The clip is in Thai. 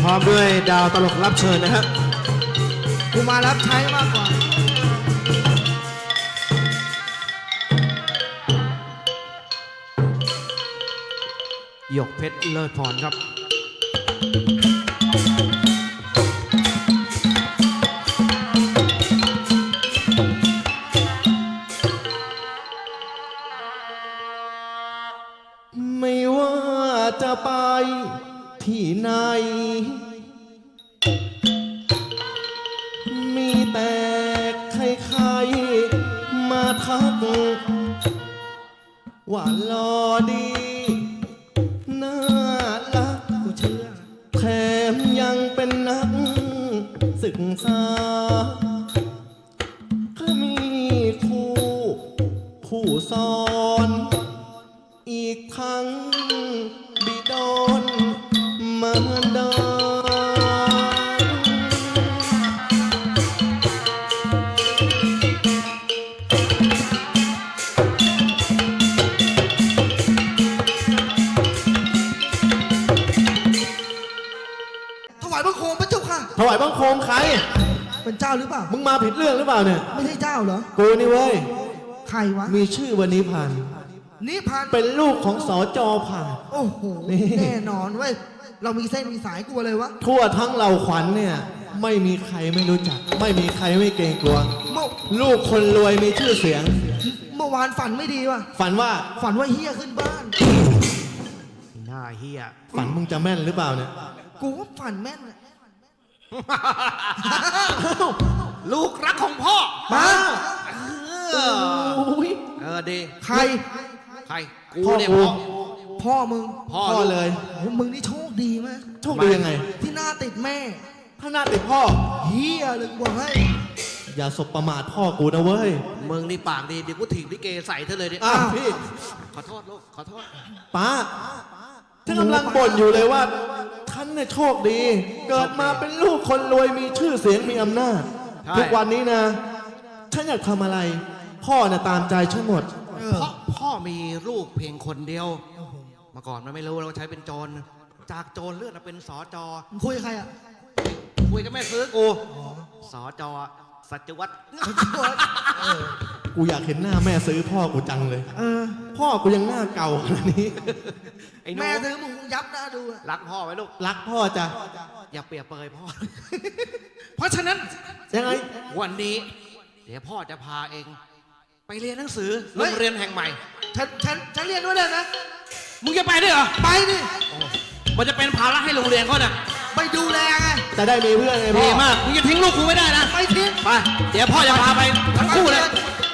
ร้อมด้วยดาวตลกรับเชิญนะครับกูมารับใช้มากกว่าหยกเพชรเลิศพรครับไม่ว่าจะไปที่ไหนมีแต่ใครๆมาทักว่าหล่อดีน่ารักกูเชื่อแถมยังเป็นนักศึกษาก็มีครูผู้สอนอีกทั้งบิดอนมารดาถวายบังคมพระเจ้าค่ะถวายบังคมใครเป็นเจ้าหรือเปล่ามึงมาผิดเรื่องหรือเปล่าเนี่ยไม่ใช่เจ้าเหรอกูนี่เว้ยใครวะมีชื่อวันนี้ผ่านนิพานเป็นลูกของสจผ่านโอ้โหแน่นอนเว้ยเรามีเส้นมีสายกลัวเลยวะทั่วทั้งเหล่าขวัญเนี่ยไม่มีใครไม่รู้จักไม่มีใครไม่เกรงกลัวลูกคนรวยมีชื่อเสียงเมื่อวานฝันไม่ดีว่ะฝันว่าเฮียขึ้นบ้านหน้าเฮียฝันมึงจะแม่นหรือเปล่าเนี่ยกูว่าฝันแม่นเลยลูกรักของพ่อมาดีใครกูเนี่ยพ่อมึงพ่อเลยมึงนี่โชคดีไหมโชคดียังไงที่หน้าติดแม่ถ้าหน้าติดพ่อเฮียเลยบอกให้อย่าสบประมาทพ่อกูนะเว้ยมึงนี่ปากดีเดี๋ยวกูถีบลิเกใส่เธอเลยดิพี่ขอโทษลูกขอโทษป้าท่านกำลังบ่นอยู่เลยว่าท่านเนี่ยโชคดีเกิดมาเป็นลูกคนรวยมีชื่อเสียงมีอำนาจทุกวันนี้นะฉันอยากทำอะไรพ่อเนี่ยตามใจฉันหมดเพราะพ่อมีลูกเพียงคนเดียวมาก่อนมันไม่รู้เราใช้เป็นโจรจากโจรเลื่อนมาเป็นสจคุยกับใครอ่ะคุยกับแม่ซื้อกูสจสัจวัตรกูอยากเห็นหน้าแม่ซื้อพ่อกูจังเลยพ่อกูยังหน้าเก่าขนาดนี้แม่ซื้อมึงยับหน้าดูรักพ่อไหมลูกรักพ่อจ้ะอย่าเปรียบเปรยพ่อเพราะฉะนั้นยังไงวันนี้เดี๋ยวพ่อจะพาเองไปเรียนหนังสือโรงเรียนแห่งใหม่ฉันเรียนด้วยเลยนะมึงจะไปด้วยเหรอไปดิมันจะเป็นภาระให้โรงเรียนเขาเนี่ยไปดูแลไงจะได้มีเพื่อนไงพ่อดีมากมึงจะทิ้งลูกกูไม่ได้นะไม่ทิ้งไปเดี๋ยวพ่อจะพาไปทั้งคู่เลย